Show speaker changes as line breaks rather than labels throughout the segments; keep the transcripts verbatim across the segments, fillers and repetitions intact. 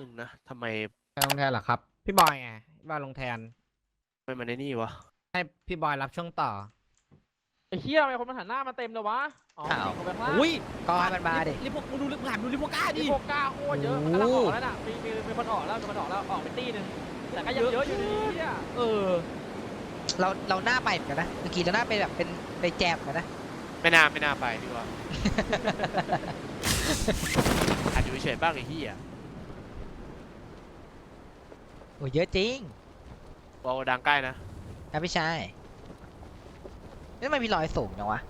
นึงนะทำไม
ไปลงแทนเหรอครับพี่บอยไงพี่บอยลงแทน
ไม่มาในนี่วะ
ให้พี่บอยรับช่วงต่อ
ไอ้เหี้ยทำไมคนมันหันหน้ามาเต็มเลยวะอ๋อ
อ้าว
ยิงเขาไปข้างล่าง
อุ้ย
ก็ให้มันมาดิ
รีบพวกกูดูรีบหลามดูรีบพวกกล้าดิ
มีโฟก้าโคตรเยอะมันกำลังออกแล้วน่ะมีมีมีคนออกแล้วมีคนออกแล้วออกไปตีหนึ่งแต่ก็ยังเยอะอยู่ดีเหี้ย
เออ
เราเราหน้าไปเหมือนกันนะเมื่อกี้เราหน้าไปแบบเป็นไปแจมกันนะ
ไม่น่าไม่น่าไปดีกว่า อาจอยู่เฉยๆบ้างไอ้เหี้ย
โอ้เยอะจริง
วอลดังใกล้นะ
นะพี่ชายนี่ทำไมมีรอยสูงจังวะ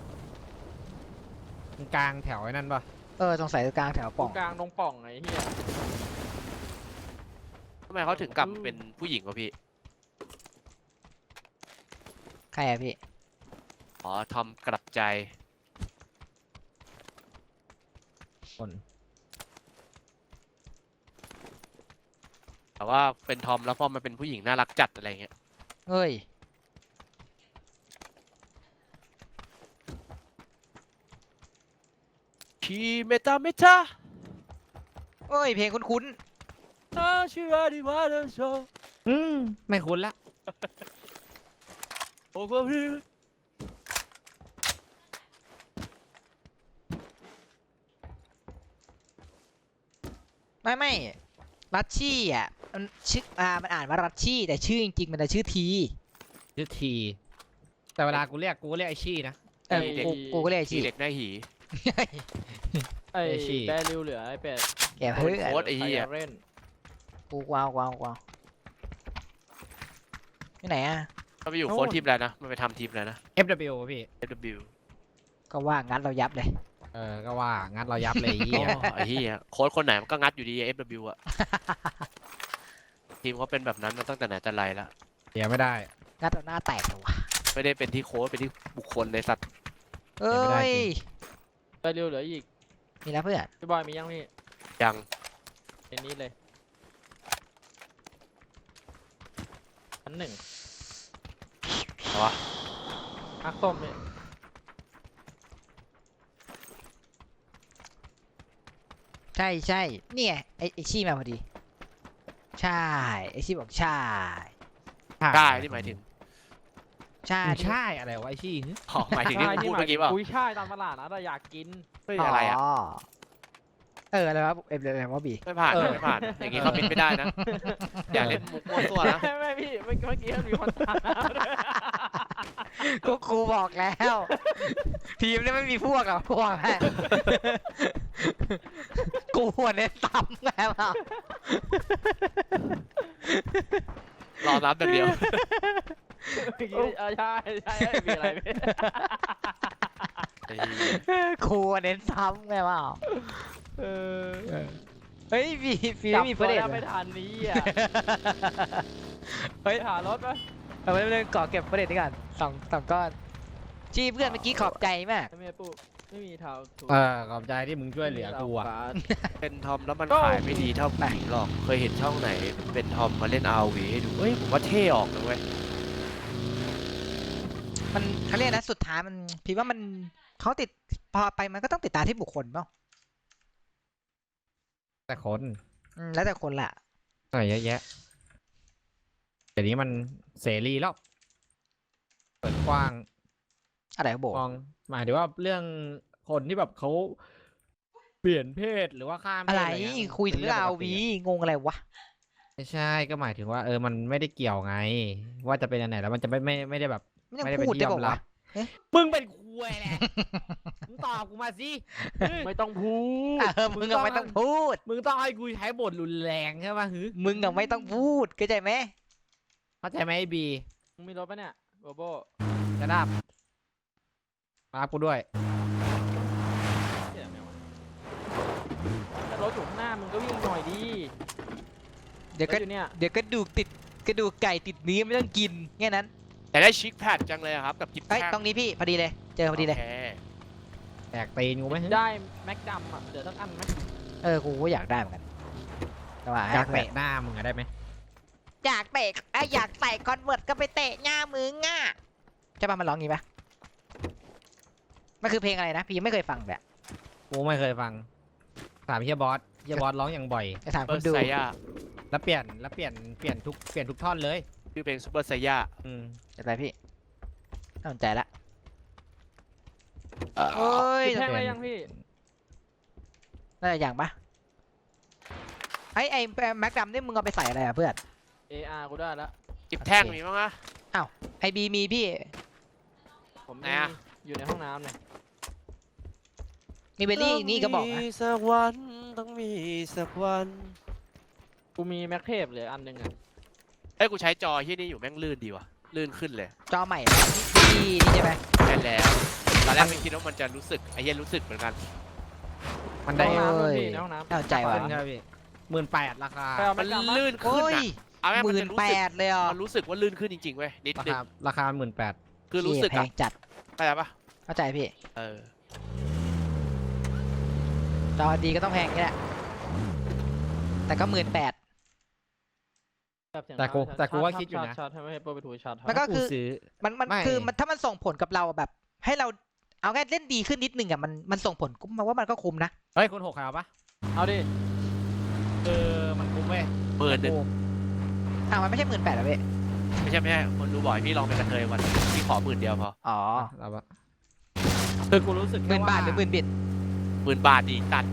กลางแถวไอ้นั่นปะ
เออสงสัยกลางแถว
ตร
ป่อง
งกลางตรงป่องไอ้เหี้ย
ทำไมเขาถึงกลับเป็นผู้หญิงวะพี่
ใครอะพี่
อ๋อทอมกลับใจ
คน
แต่ว่าเป็นทอมแล้วพอมาเป็นผู้หญิงน่ารักจัดอะไรเงี้ย
เฮ้ย
ชีเมตาเมตา
เฮ้ยเพลงคุ้น
นาชิวาดิวาเดโช
อืมไม่คุ้นละ
โอ้โหพี่
ๆไม่ไม่รัชชี่อ่ะมันชื่ออ่ามันอ่านว่ารัชชี่แต่ชื่อจริงๆมันจะชื่อที
ชื่อทีแต่เวลากูเรียกกูเรียกไอชี่นะ
เออกูกูก็เรียก
ชี
ชื่อ
เด็กหน้าหี
ไอ้
ไอ้ชี่
แดริวเหลือไอ้เป็ด
แกเพื่อน
โค้ดไอ้
ไอ้
เหี้ย
เรน
กูกวาวกวาวกวาวที่ไหนอ่ะ
เขาไปอยู่โค้ดทีมแล้วนะมันไปทำทีมแล้วนะ
เอฟ ดับเบิลยู พี่
เอฟ ดับเบิลยู
ก็ว่างั้นเรายับเลย
เออก็ว่างั้นเรายับเลยไอ้
โอ้
เหี้ย
ไอ้เหี้ยโค้ดคนไหนมันก็งัดอยู่ดี เอฟ ดับเบิลยู อะ ทีมเขาเป็นแบบนั้นมาตั้งแต่ไหนแต่ไรแล้ว
เดี๋ยวไม่ได้
งัดเราหน้าแตกเลยวะ
ไม่ได้เป็นที่โค้ดเป็นที่บุคคลในสัตว์
เอ้
ไม่ได้
ย
จริง
แดริวเหลืออีก
มีแล้วเพื่อน
พี่บอยมียังพี่
ยัง
เอ็นนี้เลยอันหนึ่ง
เหรอวะ
อักส้มเนี่ย
ใช่ใช่เนี่ยไอไอชี่มาพอดี ใช่ไอชี่บอกใช่
ได้ที่หมายถึง
ใช่
ใช่อะไรวะไอชี่
อ๋อหมายถึงที่ผมพูดเมื่อกี้เปล่า
คุยช่ายตามตลาดนะแต่อยากกิน
เฮ้ยอะไรอะ
เอออะไรวะเอ็มอะไรวะบี
ไม่ผ่านไม่ผ่านอย่างงี้เขาบินไม่ได้นะอย่าเล่นมุกมั่วตัวนะ
ไม่ไม่พี่เมื่อกี้เมื่อกี้มันมีคนตามด้วย
ก็ครูบอกแล้ว ทีมนี้ไม่มีพวกหรอกพวกแม่กูหัวเน้นต่ำไงเปล่าร
อรับอย่างเดียว
เมื่อกี้เออใช่ใช่มีอะไรพี่
ครูเน้นซ้ำไงเปล่า
เออ
เฮ้ยมีฟี
จับ
ไม่มี
ตั
ประ
ว
เด็น
ได้ไม่ทันนี้อ่ะ
เฮ้ย
หารถไหม
เอาไว้เรื่องก่อเก็บประเด็นนี้ก่อนสองสองก้อนจี้เพื่อนเมื่อกี้ขอบใจมาก
ไม่มีปุ๊ไม่มีเท้าถูก
เออขอบใจที่มึงช่วยเหลือกูอ่ะ
เป็นทอมแล้วมันขายไม่ดีเท่าผู้หญิงหรอกเคยเห็นช่องไหนเป็นทอมมาเล่น อาร์ วี ให้ดูเฮ้ยผมว่าเท่ออกนะเว้ย
มันเขาเรียกนะสุดท้ายมันพี่ว่ามันเขาติดพอไปมันก็ต้องติดตามที่บุคคลเปล่า
แต่คน
อืมแล้วแต่คนละ
อะไรเยอะแยะเดี๋ยวนี้มันเสรีแล้วเปิดกว้าง
อะไรโบ
มองหมายถึงว่าเรื่องคนที่แบบเขาเปลี่ยนเพศหรือว่าข้ามเพศ
อะไร
เงี้
คุยถึง
ป็น
เรื่อง
ป
เอา
กติ
วีงงอะไรวะ
ไม่ใช่ก็หมายถึงว่าเออมันไม่ได้เกี่ยวไง ว่าจะเป็นอันไหนแล้วมันจะไม่ไม่ไม่ได้แบบ
ไม่ต้อง
ไม่ได้เป็น
พูด
ที่
ได้
ยอ
บอก
มรั
ว่า
บมึงเป็นคุยแหละ มึงตอบกูมาสิ
ไม่ต้องพูด
เออมึงก็ไม่ต้องพูด
มึงต้องให้กูใช้บทรุนแรงใช่ป่ะฮึ
มึงก็ไม่ต้องพูดเข้าใจไหม
เข้าใจไหมไอ้บี
มึงมีรถปะเนี่ยโบโบ
จะดับมารับกูด้วย
เดี๋ยวไม่เอาถ้ารถอยู่ข้างหน้ามึงก็วิ่งหน่อยดี
เดี๋ยวก็
รถอยู่เนี่ย
เดี๋ยวกระดูกติดกระดูกไก่ติดเนื้อไม่ต้องกินแค่นั้น
แต่ได้ชิคแพดจังเลยอะครับกับกิฟต์
เอ้ย
แท่ง
ตรงนี้พี่พอดีเลย เจอพอดีเลย
โค
แตกตีนกูไหมฮึ
ได้แม็กดำอ่ะเดี๋ยวต้องอันไหม
เออกูก็อยากได้เหมือนกันแต่ว่า
อยากเตะหน้ามึงอะได้ไหม
อยากเตะไอยอยากใส่คอนเวิร์ตก็ไปเตะหน้ามึงอ่ะใช่ป่ะมันร้องงี้ปะมันคือเพลงอะไรนะพี่ยังไม่เคยฟังแบบ
กูไม่เคยฟังถามเฮียบอสเฮียบอสร้องอย่างบ่อย
จะถาม
เบ
ค
อน ร์
ดู
ไซย่า
แล้วเปลี่ยนแล้วเปลี่ยนเปลี่ยนทุกเปลี่ยนทุกท่อนเลย
ชื่อเพลงซูเปอร์ไซย่า
อืม
จะไปพี่น่าสนใจละ
เอ่อ
โอ้ย
จุดแท่งอะไรยังพี่
น่าจะอย่างปะไอ้ไอ้แม็กดำนี่มึงเอาไปใส่อะไรอ่ะเพื่อน
เออาร์ กูได้แล้ว
จิบแท่งมีบ้างอะ
ไอบีมีพี่
ผม
ไหน
มี
อะ
อยู่ในห้องน้ำเนี่ย
มีเบลลี่อีกนี่ก็บอก
ต้ง
นะ
มีสักวันต้องมีสักวัน
กูมีแม็กเทปเหลืออันหนึงอ่ะ
เอ้ยกูใช้จอที่นี่อยู่แม่งลื่นดีว่ะลื่นขึ้นเลย
จอใหม่นะที่นี่ใช่ไหม
แค่แล้วตอนแรกไม่คิดว่ามันจะรู้สึกไอ้เหี้ยรู้สึกเหมือนกัน
มัน
ใน
ได้
ห้องน้ำ
โอ้
ด้วย
ย
พี่ในห้องน้ำ
น่าสนใจว่ะ
ขึ้นใช่ไหมพี่หมื่นแปดราคา
ไปเอา
มั
แม็
น
กดำมา
ลื่นขึ้น
โอ้ย
อะเอาแม่ง
ห
มัน
มื่
จะ
น
รู้
แป
สึก
ดเลยอ่ะ
มันรู้สึกว่าลื่นขึ้นจริงๆเว้ยนิด
รา
นึง
คาราคาหมื่นแปด
คือรู้สึก
แพ
อะ
งจัด
เข้าใจปะ
เข้าใจพี่
เออ
จอดีก็ต้องแพงนี่แหละแต่ก็หมื่นแปด
แบบเสียง
แต่กู
ชาร์จ
แต่กูว่า
ชาร์จ
คิดอยู่นะ
ชาร์จชาร์จให้ไม่ให้เปิดไปถูชาร์จ
มันก็ คือ
ซื้อ
มันมัน
ไม่
คือมันถ้ามันส่งผลกับเราแบบ ให้เราเอาแค่เล่นดีขึ้นนิดนึงอ่ะมันมันส่งผลกูมาว่ามันก็คุ้มนะ
เฮ้ยคุณหกขาวปะ
เอาดิ
เออมันคุ้มเว้ย
หมื่นหนึ่ง
อ้าวมันไม่ใช่หมื่นแปดหรอพี่
ไม่ใช่ไม่ใช่คนรู้บ่อยพี่ลองเป็นกระเทยวันพี่ขอหมื่นเดียวพอ
อ๋อ
เราปะคือกูรู้สึก
ห
แค่
มื่น
ว่า
บาทหรือหมื่นบิต
หมื่นบาทดีตัด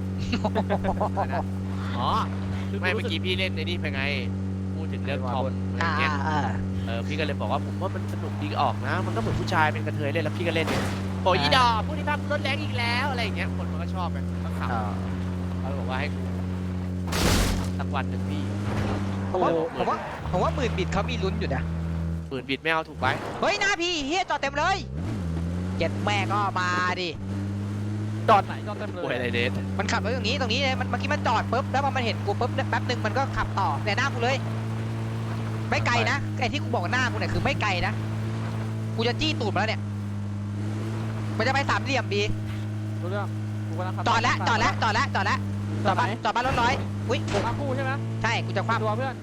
อ๋อคือ
ไม่
รู้
เมื่อ
สึก
กี้พี่เล่นในนี่ไปไงพูดถึงเรื่องทอมอะไร
อ่า
เงี้ย
อ่า
เออพี่ก็เลยบอกว่าผมว่ามันสนุกดีออกนะ มันก็เหมือนผู้ชายเป็นกระเทยเล่นแล้วพี่ก็เล่นเนี่ยโอ้ยอีดอกผู้ที่พักรถแรงอีกแล้วอะไรอย่างเงี้ยคนมันก็ชอบไงก็ขำ
อ่า
เขาบอกว่าให้กูสักวันหนึ่งพี่
ผมว่าผมว่าผมว่าหมื่นบิตเขามีลุ้นอยู่นะ
หมื่นบิดไม่เอาถูกไหม
เฮ้ยหน้าพี่เฮียจอดเต็มเลยเจ็ดแม่ก็มาดิ
จอดไหนจอดเต็มเล
ป่วย
ย
อะไรเดท
มันขับรถอย่างนี้ตรงนี้เลยมันเมื่อกี้มันจอดปุ๊บแล้วพอมันเห็นกูปุ๊บแป๊บหนึ่งมันก็ขับต่อแต่หน้ากูเลย ไม่ไกลนะไอ้ที่กูบอกหน้ากูเนี่ยคือไม่ไกลนะกูจะจี้ตูดมาแล้วเนี่ยมันจะไปสามเหลี่ยมบี
รู้เรื่องกูกำลังขับ
จอดแล้วจอดแล้วจอดแล้วจอดแล้วจอดบ้านจอดบ้านรถร้อยอุ้ย
ทั้งคู่ใช่ไหม
ใช่กูจะคว้า
ตัวเพื่อน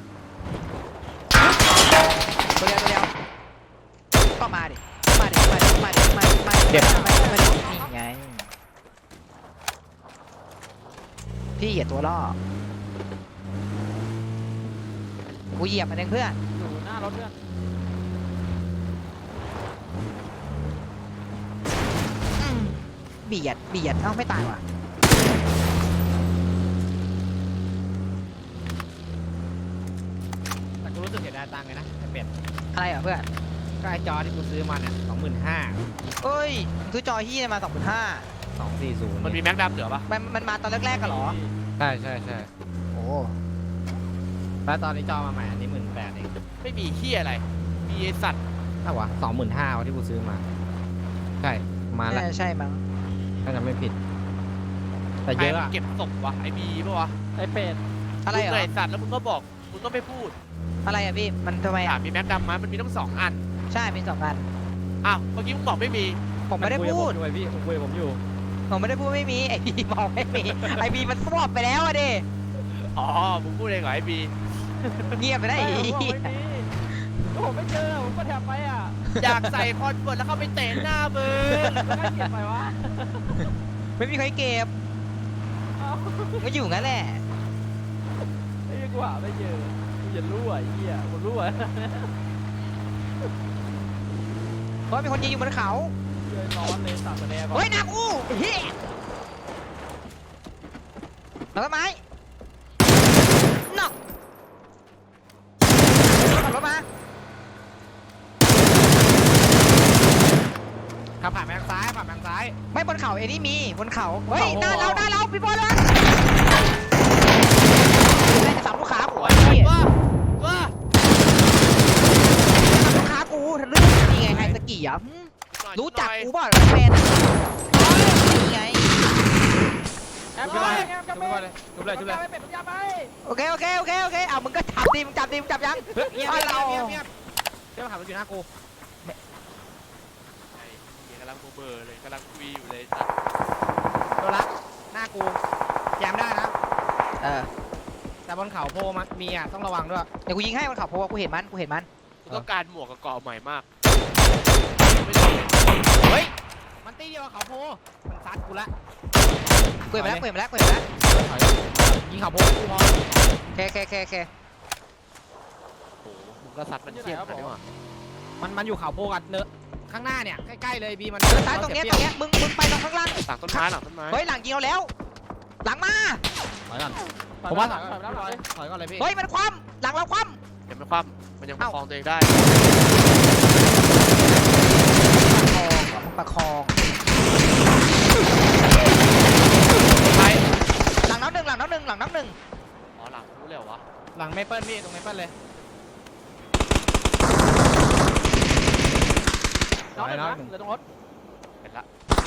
ตัวเดียวตัวเดียวก็มาดิมาดิมาดิมาดิมาดิมาดิ
เจ็บ
มาดิมาดินี่ไงพี่เหยียดตัวล่อกูเหยียบมันเองเพื่อน
อยู่หน้ารถเพื่อน
อืมเบียดเบียดเอ้าไม่ตายว่ะ
แต่กูรู้สึกเสียดายตังค์เลยนะไอ้เป็ด
อะไรเหรอเพื่อน
ก็ไอ้จอที่กูซื้อมาเนี่ยสองหมื่นห้า
เอ้ยมึงซื้อจอที่มาสองพันห้า
สองสี่ศูนย์
มันมีแม็กดัมเหลือปะ
มันมันมาตอนแรกๆกันเหรอ
ใช่ใช่ใช่
โอ้
แล้วตอนนี้จอมาใหม่อันนี้หมื่นแปดเอง
ไม่มีขี้ยอะไร มีไอสัตว์
เท่าวะสองหมื่นห้าวะที่กูซื้อมา ใช่มาแล้ว
น่าจะใช่มั้ง
ถ้าจะไม่ผิด แต่
ใคร
เยอะ
มัน
อะ
เก็บศพวะไอบีปะวะ
ไอเป็ด
อะไรเหร
มึง
อ
ไอสัตว์แล้วมึงก็บอกมึงก็ไม่พูด
อะไรอ่ะพี่มันทำไม
ถา
อ่ะ
มมีแม็กดัมไหมมันมีทั้งสองอัน
ใช่มีสองอัน
อ้าวเมื่อกี้มึงบอกไม่มี
ผมไม่ได้พูด
คุยกับผมด้วยพี่ผมคุยกับผมอยู่
ผมไม่ได้พูดไม่มีไอบีบอกไม่มีไอบีมันสวบไปแล้วอะดิ
อ๋อมึงพูดเองเหรอไอบี
เงียบไปได้
ไอ้
อี
ผมบอกไม่มีก็ผมไม่เจอผมก็แถบไปอ่ะ
อยากใส่คอนเวิร์ตแล้วเข้าไปเตะหน้ามึง
แล้วก็เก็บไปวะ
ไม่มีใครเก็บ
เอ้า
ก็อยู่งั้นแหละ
ไอ้เหี้ยกูหาไม่เจอกูจะรู้อ่ะไอ้เหี้ยกูรู้อ่ะ
เพราะมีคนยิงอยู่บนเขา
เจอร้อนเลยสามคะแนนก่อน
เฮ้ยนากูเฮียแล้วต้นไม้นอกขับรถมา
ขับผ่านไปทางซ้ายผ่านไปทางซ้าย
ไม่บนเขาเอ็นี่มีบนเขาเฮ้ย
โอ้โห
หน้าเราหน้าเราพี่บอลเลยสามลูกค้ากู
โอ้
ไอ้
ย
เหี้ย
ว่าว่า
ลูกค้ากูทะลึ่งนี่ไงไฮสกี้อ่ะหึรู้จักกูเปล่าแฟนนี่ไง
แอบ
จุ๊บ
ไป
ไป
แอบกลับ
จุ๊
ไป
บไปเลยจุ๊บเลยจุ๊บเลย
เป็ดปัญญาไป
โอเคโอเคโอเคโอเคเอามึงก็จับดิมึงจับดิมึงจับยัง
เฮ้ยเงียบ
เอา
เงียบ
เรา
เงียบเงียบเดี๋ยวขับรถอยู่หน้ากู
ไอ้เหี้ยกำลังเบอร์เลยกำลังคุยอยู่เลยสัตว์
โดนละหน้ากูแจมได้นะ
เออ
แต่บนเขาโพมันมีอ่ะต้องระวังด้วย
เดี๋ยวกูยิงให้มันขับเพราะว่ากูเห็นมันกูเห็นมัน
กูต้องการหมวกกับเกราะใหม่มาก
เฮ้ยมันตีเดียวกับเขาโพมันซัดกูละ
กูเห็นมาแล้วกูเห็นมาแล้วกูเห็นมาแล้ว
ถอยยิงเขาโพกกูพอ
เคเคเคเค
โอ้โหมึงก็ซัดมันเชี่ยนขนาดนี้ว่ะ
มันมันอยู่เขาโพกันเนอะข้างหน้าเนี่ยใกล้ๆเลยบีมัน
เดินซ้ายตรงเนี้ยตรงเนี้ยมึงมึงไปตรงข้างล่าง
หลังต้นไม้หลังต้นไม้
เฮ้ยหลังยิงเราแล้ว หลังมา
ถอยก่อน
ถอย
ผม
มา
ว่า
ถอยมาถอยมาถอยมา
ถอยก่อนเลยพี่
เฮ้ยมันคว่ำหลังเราคว่
ยังไม่คว่ำมันยังประคองตัวเองได้
ำประคอง
ไป
หลังน้ำหนึ่งหลังน้ำหนึ่งหลังน้ำหนึ่ง
อ๋อหลังรู้เลยเหรอวะ
หลังเมเปิลพี่ตรงเมเปิลเลย
น้องหนึ่ง
น้อย
นะ
หนึ่ง
เหลือตรงรถ
เห็นละ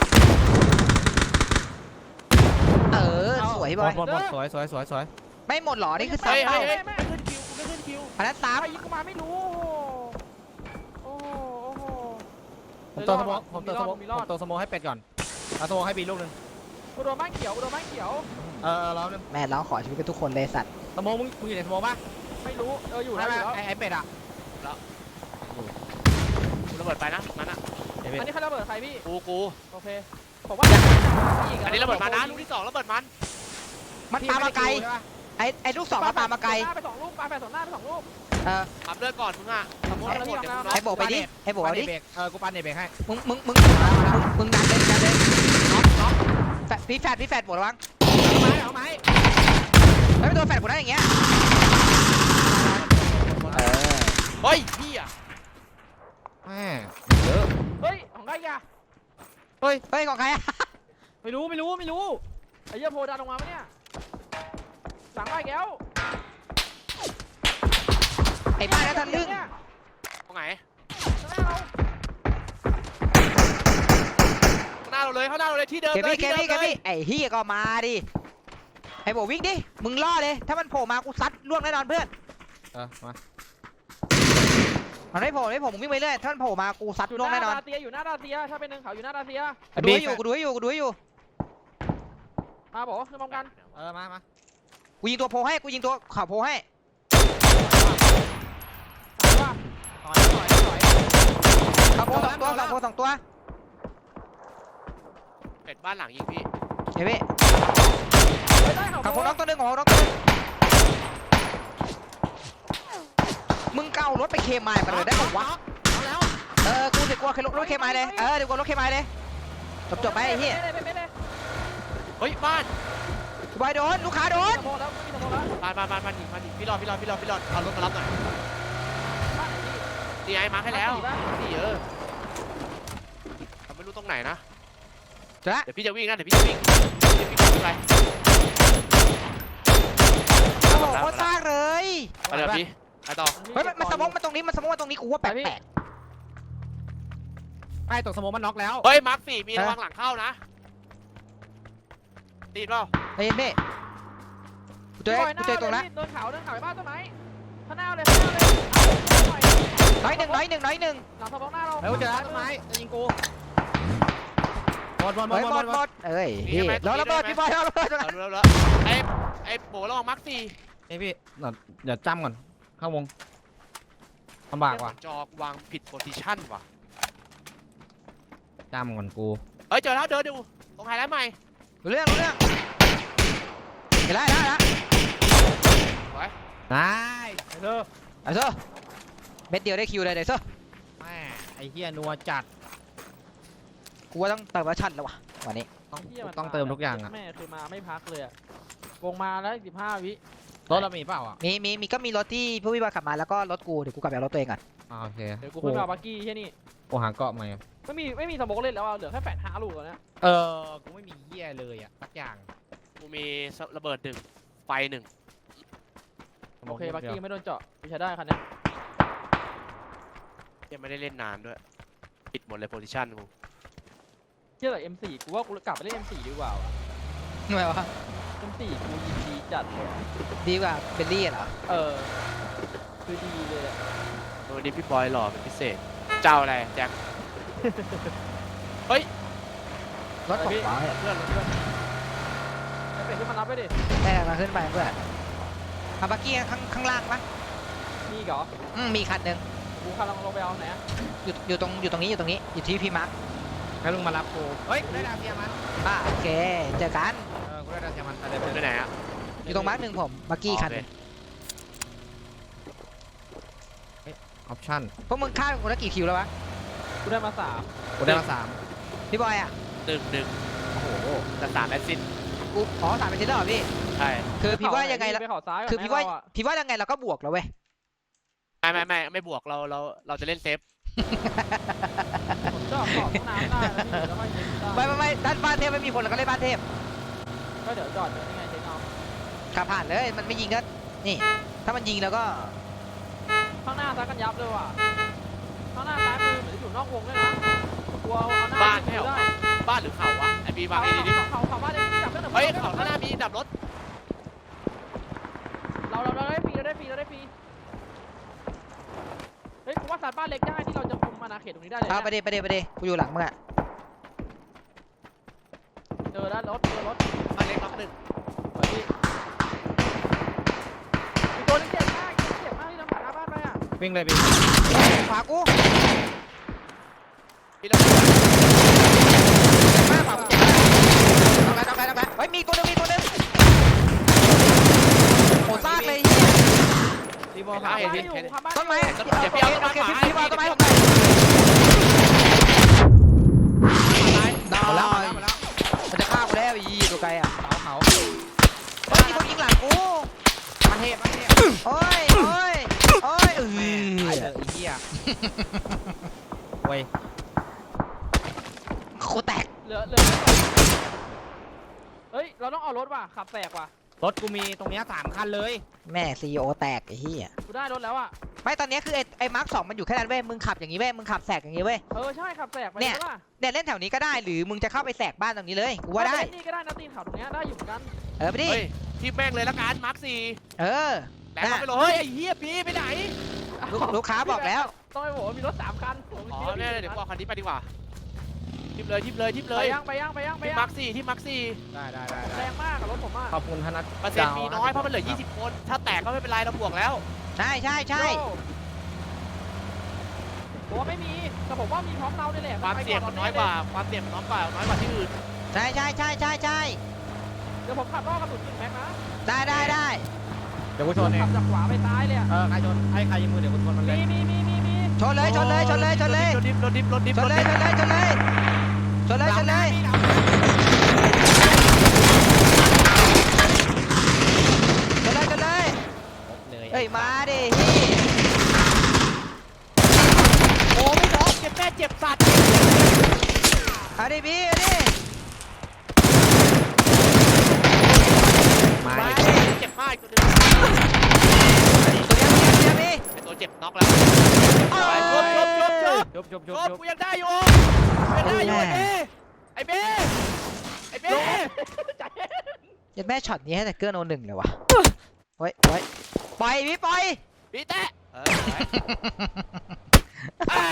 เออสวย
ห
บ
ม
อ
ด
ย
หมดหมดสวยสวยสวยสวย
ไม่หมดหรอนี่คือ
เฮ้
สาม
ยเฮ้
เป้าย
เฮ้ยไม่ขึ้นคิวกูไม่ขึ้นคิว
อันนั้นสาม
ไอ้ยิงกูมาไม่รู้โอ้โหโอ้โห
ผมตัวสโมองผมตัวสโมอง
มี
ผ
รอ
ม
ด
ตัวสโมองให้เป็ดก่อนเอาสโมองให้บีลูกหนึง
กูโดนบ้านเขียวกูโดนบ้านเขียว
เออเออรอบนึง
แม่ร้องขอชีวิตกับทุกคนเลยสัตว์
สโมองมึงมึงอยู่ในสโมองป่ะ
ไม่รู้เอออยู่
ไม่
แล้วอ
ไม่
ยู่แล้ว
ไอ้ไอ้เป็ดอ่ะ
กูระเบิดไปนะนั่นอ่ะ
ไอ้เป็ด
อันนี้ใครระเบิดใครพี่
กูกู
โอเคผมว่า
อันนี้ระเบิดมานะลูกที่สองระเบิดมัน
มันตามมาไกล
ใช่ปะ
ไอ้ไอ้ลูกสองมันตามมาไกล
ไปสองลูกปาไปสองหน้าไปสองลูก
เออ
ขับเลือดก่อนมึงอ่ะสมมติหมดเดี๋ยวมึงน็อ
ไอ้
ก
โบไปดิไอ้โบเอาดิ
ปันเบรกเออกูปันเบรกให้
มึงมึงมึงมึงมึงดันเลยดันเลย
น็อกน็อก
แฟดพี่แฟดพี่แฟดโบระวัง
เอาไม้เอาไม้
ไม่เป็นตัวแฟดกูนะอย่างเงี้ยเออ
เฮ้ยพี่อ่ะ
แม่เยอะ
เฮ้ยของใครอ่ะ
เฮ้ยเฮ้ยของใครอะ
ไม่รู้ไม่รู้ไม่รู้
ไอ้เหี้ยโพดันลงมาปะเนี่ยหลังไอ้แก้ว
ไอ้บ้านนั้นทะลึ่ง
ตรงไหน
ข้างหน้าเรา
ข้างหน้าเราเลยข้างหน้าเราเลยที่เดิม
เก
เลย
มี่เก
ที่เดิ
มี่
ม
เก
เลย
มี่ไอ้เฮียก็มาดิไอ้โบวิ่งดิมึงล่อเลยถ้ามันโผล่มากูซัดล่วงแน่นอนเพื่อน
เออมา
มันไม่โผล่ไม่โผล่มึงวิ่งไปเรื่อยถ้ามันโผล่มากูซัด
อยู่
ล่วง
หน้า
แน่นอน
ดาเซียอยู่หน้าดาเซียถ้าเป็นหนึ่งเขาอยู่หน้าดาเซีย
กูดูให้อยู่กูดูให้อยู่กูดูให้อยู่
มาบอกว่าคือพร้อมกัน
เออมามา
กูยิงตัวโผล่ให้กูยิงตัวข่าวโผล่ให้
ว่า
ต่อยต่อยต่อย
ข่าวโผล่สองตัวข่าวโผล่สองตัว
เป็ดบ้านหลังยิงพี่
เฮ้ยพี่
ไม่ได้เขา
ข่าวโผล่น็อกตัวหนึ่งข่าวโผล่น็อกตัวหนึ่งมึงเการถไปเคมายมาเลยได้บอกวะ
เอาแล้ว
เออกูเดี๋ยวกูเอารถเคมายเลยเออเดี๋ยวกูเอารถเคมายเลยจบจบไปไอ้เหี้ย
ไม่ได้ไม่ได้
เฮ้ยบ้าน
กูบอยโดนลูกค้าโดน
สมองแล้วไม่มีสมองแล้ว
บ้านบ้านบ้านบ้านยิงบ้านยิงพี่รอดพี่รอดพี่รอดพี่รอดเอารถมารับหน่อย
บ้านไหนพี่
นี่ไอ้มาร์คให้แล้ว
บ้าน
นี่เออแต่ไม่รู้ตรงไหนนะ
เจอละ
เดี๋ยวพี่จะวิ่งนะเดี๋ยวพี่จะวิ่งเดี๋ยวพี่วิ่งไป
โอ้โหโคตรซากเลย
ไปเดี๋ยวพี่ไปต่อ
เฮ้ยมันมันสมองมันตรงนี้มันสมองมันตรงนี้กูว่าแปลก
ไอ้ตกสโมองมันน็อกแล้ว
เฮ้ยมาร์คสี่มีระวังหลังเข้านะตีเปล่า
ๆเฮ้ยเม่กูเจอกูเจอตรงนั้น
โดนเขาโดนเขาไปบ้านต้นไม้ข้างหน้าเลยข้างหน้าเลย
น้อยหนึ่งน้อยหนึ่งน้อยหนึ่ง
หลังสมองหน้าเรา
เร็วเจอแล้วต้นไม้จะยิงกูหมดหมดหม
เฮ้
ด
ย
ห
ห
ม
ม
ด
ด
ห
ห
ม
ม
ด
ดเอ้ยพี่รอระเบิดพี่บอยรอระเบิด
เอาแล้วแล้วไอ้ไอ้โบระวังมาร์คสี่
นี่พี่เดี๋ยวเดี๋ยวจ้ำก่อนเข้าวงลำบากว่ะ
จอกวางผิดโพซิชั่นว่ะ
จ้ำก่อนกู
เฮ้ยเจอแล้วเดินดูตรงไฮไลท์ใหม่
รู้เรื่องรู้เรื่องเห็นแล้วเห็นแล้ว
ได้เด้อ
ไอ้เซอร์เม็ดเดียวได้คิวเลยเดี๋ยวเซอร์
แม่ไอ้เหี้ยนัวจัด
กูว่าต้องเติมวัชั่นแล้ววะวันนี้
ต้องต้องเติมทุกอย่างอ่ะ
แม่คือมาไม่พักเลยอะวงมาแล้วสิบห้าวิ
รถเรามีเปล่าอ่ะ
มีมีมีก็มีรถที่ผู้วิบากขับมาแล้วก็รถกูเดี๋ยวกูกลับไปเอารถตัวเองก่อน
อ่าโอเค
เดี๋ยวกูขึ้นมาบักกี้แค่นี้
กูหาเกาะใหม่
ไม่มีไม่มีสมองเล่นแล้วอะเหลือแค่แปดห้าลูกแล้วเนี่ย
เออกูไม่มีเหี้ยเลยอ่ะสักอย่าง
กูมีระเบิดหนึ่งไฟหนึ่ง
โอเคบักกี้ไม่โดนเจาะกูใช้ได้คันนี้
ยังไม่ได้เล่นนานด้วยปิดหมดเลยโพซิชั่นกู
เชื่อแต่ เอ็ม โฟร์ กูว่ากูกลับไปเล่น เอ็ม โฟร์ ดีกว่าวะ
ทำไมวะ
เอ็ม โฟร์ กูยิงดีจัดเลยอะ
ดีกว่าเบลลี่เหรอ
เออคือดีเลยอะ
วันนี้พี่บอยหล่อเป็นพิเศษ เจ้าอะไรแจ็ค
รถผมเหรอ
เพื่อนเพื่อนไอ้เป็ดที่มันรับไปดิ
ได้มาขึ้นไปเพื่อนเอาบักกี้ข้างข้างล่างปะ
มีอีกเหรอ
อืมมีคันหนึ่ง
กูขับลงลงไปเอาไหนอะ
อยู่อยู่ตรงอยู่ตรงนี้อยู่ตรงนี้อยู่ที่พี่มาร์ค
ให้ลุงมารับกูเฮ้ยกูได้ดาวเทียมมัน
อ่าโอเคเจอกัน
เออกูได้ดาวเทียมมันไปเลย
ไปไหนอ่ะ
ใน
อยู่ตรงมาร์คหนึ่งผมบักกี้คันหนึ่ง
ออปชั่น
พวกมึงฆ่าเป็นคนละกี่คิวแล้ววะ
กูได้มาสาม
กูได้มาสาม
พี่บอยอ่ะ
หนึ่งหนึ่งโอ้โหแต่สามแอสซิสต์
กูอ๋อสามเป็นเซนเตอร์เหรอพี่
ใช่
คือพี่ว่ายังไงละ
ไปเขาซ้ายก่น
คือพี่ว่า
ไหมเรอะ
พี่ว่ายังไงเราก็บวกแล้วเว้ย
ไม่ไม่ไม่ไม่บวกเราเราเราจะเล่นเซฟ
ผมจอดขอบห้องน้ำได้นะพี่แล้วก็ยิงได้
ไม่ไม่ไม่ด้านบ้านเทพไม่มีคนเราก็เล่นบ้านเทพ
ก็เดี๋ยวจอดอยู่นี่ไงเจ๊น้อง
ขับผ่านเลยมันไม่ยิงก็นี่ ถ้ามันยิงแล้วก็
ข้างหน้าซักกันยับเลยว่ะข้างหน้าซ้ายมือเหมือนจะอยู่นอกวงด้วยนะกลัวเอาหน้า
บ้าน
ยิ
ไม่
ง
เหรอ
ได้
บ้านหรือเขาวะไอบีบาง
เขา
ไอ้ดิ
เขาเขาเขาบ้านได้จับเพื่อนหนึ่ง
เฮ้ยเขาข้างหน้ามีดับรถ
เราเราเราได้ฟรีเราได้ฟรีเราได้ฟรีเฮ้ยกูว่าสัตว์บ้านเล็กได้ที่เราจะคุมอาณาเขตตรงนี้ได้เลย
เอาไป
เนี่ย
เดไปเดไปเดกูอยู่หลังมึงอ่ะ
เจอแล้วรถเจอรถ
บ้านเล็กน็อกหนึ่ง
สวยพี่มีตัวนึงเจ็บมากเจ็บมากที่ทำผ่านหน้าบ้านไปอ่ะ
วิ่งเลยพี่
ขวากู
พี่เรา
แม่ขวากูต้องไปต้องไปต้องไปเฮ้ยมีตัวนึงมีตัวนึงโหซากเลย
รีโม
ไป
ท
หา
ขา
บ้าน
เห็น
อยู่
เห็น
หาบ้าน
ต้นไม้
อยู่
โอเคโอเคพี่บอยต้นไม้ต้นไม้
ตาย
ดา
หมดแล้วหมด
ว
แล้วหมดแล้ว
มันจะฆ่ากูแล้วอีตัวไกลอ่ะ
เขาเขา
เฮ้ยมีคนยิงหลังกู
มาเทพมาเทพ
โอ้ยโอ้ยโอ้ยเอ
แม่ตายเถ
อ
อะไอ้เหี้ยเว้ย
โคแตก
เหลือเหลือเฮ้ยเราต้องเอารถว่ะขับแตกว่ะ
รถกูมีตรงเนี้ยสามคันเลย
แม่ซีโอแตกไอ้เหี้ย
กูได้รถแล้วอ่ะ
ไม่ตอนนี้คือไอ้ไอ้มาร์คสองมันอยู่แค่นั้นเว้ยมึงขับอย่างนี้เว้ยมึงขับแสกอย่างนี้เว้ย
เออใช่ขับแตกไป
เนี่ย
ใช่ป่ะ
เนี่ยเล่นแถวนี้ก็ได้หรือมึงจะเข้าไปแสกบ้านตรงนี้เลยกูว่าได้
เอปนี่ก็ได้นะตีนเขาตรงเนี้ยได้อยู่เหมือนกัน
เออไปดิ
เฮ้ยที่แม่งเลยละกันมาร์คสี่
เออ
แหลมไปเลยเฮ้ยไอ้เหี้ยพี่ไปไหน
ลูกลูกค้าบอกแล้ว
ต้องไปบอกว่ามีรถสามคันผม
อ๋อ
คิดว่า
เนี่ยเดี๋ยวกูเอาคันนี้ไปดีกว่าทิปเลยทิปเลยทิปเล
ไป
ย
ยังไปยังไปยังไป
ที่
ยัง
มาร์คสี่ที่มาร์คสี่
ได้ได้ได้
แรงมากกับรถผมอ่ะ
ขอบคุณธนัท
เปอร์เซ็นต์มีน้อยเพราะมันเหลือยี่สิบคน ถ้าแตกก็ไม่เป็นไรเราบวกแล้ว
ใช่ใช่ใช่
ผมว่าไม่มีแต่ผมว่ามีพร้อมเราเนี่ยแหละ
ความเสี่ยงมันน้อยกว่าความเสี่ยงมันน้อยกว่าน้อยกว่าที่อื่น
ใช่ใช่ใช่ใช่ใช่
เดี๋ยวผมขับรอบกระสุนยิงแม็กนะ
ได้ได้ได้
เดี๋ยวกูชนเอง
ขับจากขวาไปซ้ายเลยอ่ะ
เออใครชนให้ใครยิงมือเดี๋ยวกูชนมันเลย
มีมีมีมีมี
ชนเลยชนเลยชนเลยชนเลย
รถดิฟรถดิฟรถดิฟ
ช
ร
น
ถ
เล
ดิ
ย
ฟ
ชนเลยชนเลยชนเลยชนเลยชนเลยชนเลย
เลย
เอ้ยมาดิฮี่
โอ้ไม่น้องเจ็บแม่เจ็บสัตว์
เอาดิพี่เอาดิ
มา
มา
ดิ
ดิ
เจ็บมากอีกตัวหนึง
ตัวเดียวตัวเดียวพี่
ไอ้ตัวเจ็บน็อกแล้ว
โอ้
ไป
ย
ชบชบชบชบ
จบจบจ
ช
บบ จบ
กูยังได้อยู่ยังได้อยู่ไอ้เบ้ไอ้เบ้ไอ้เบ้
เยัดแม่ช็อตนี้ให้แต่เกื้อโนหนึ่งเลยวะเฮ้ยเฮ้ยปล่อยพี่ปล่อย
พี่แตะเออไปอ่า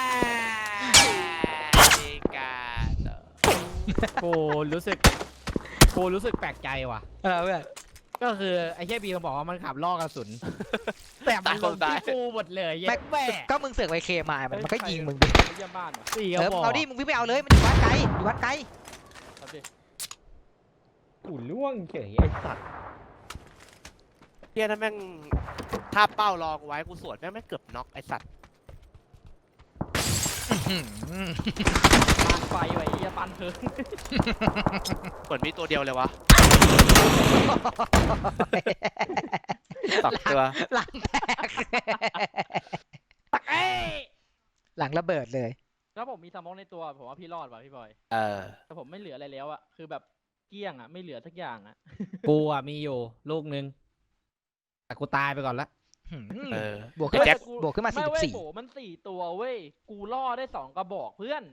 ดีการ
กูรู้สึกกูรู้สึกแปลกใจว่ะ
เออเพื่อน
ก็คือไอ้เหี้ยบีมันบอกว่ามันขับล่อกระสุนแต่มันลงที่กูหมดเลยแย่แม่
ก็มึงเสือกไปเคมามันมันก็ยิงมึงดิ
ไปเยี่ยมบ้านว่ะ
สี่ก
เอ
ระ
อ
บอก
เอาดิมึงวิ่งไปเอาเลยมันอยู่วัดไกลอยู่วัดไกล
เอาดิ
กูล่วงเฉยไอ้สัตว์
เฮียนั่นแม่งถ้าเป้ารอกูไว้กูสวนแม่งไม่เกือบน็อกไอ้สัตว์
ปานไฟไว้เยี่ยปันเพิง
เหมือนมีตัวเดียวเลยวะตักตัว
หลังแตก
เอ้ย
หลังระเบิดเลย
แล้วผมมีสมองในตัวผมว่าพี่รอดว่ะพี่บอย
เออ
แต่ผมไม่เหลืออะไรแล้วอ่ะคือแบบเกลี้ยงอ่ะไม่เหลือสักอย่างอ่ะ
กูอ่ะมีอยู่ลูกนึงแต่กูตายไปก่อนละ
เออ
บวกขึ้น
แจ็ค
บวกขึ้นมา
ไม่
สี่สิบ
เว้ย
สี่
โบมันสี่ตัวเว้ยกูล่อได้สองกระบอกเพื่อน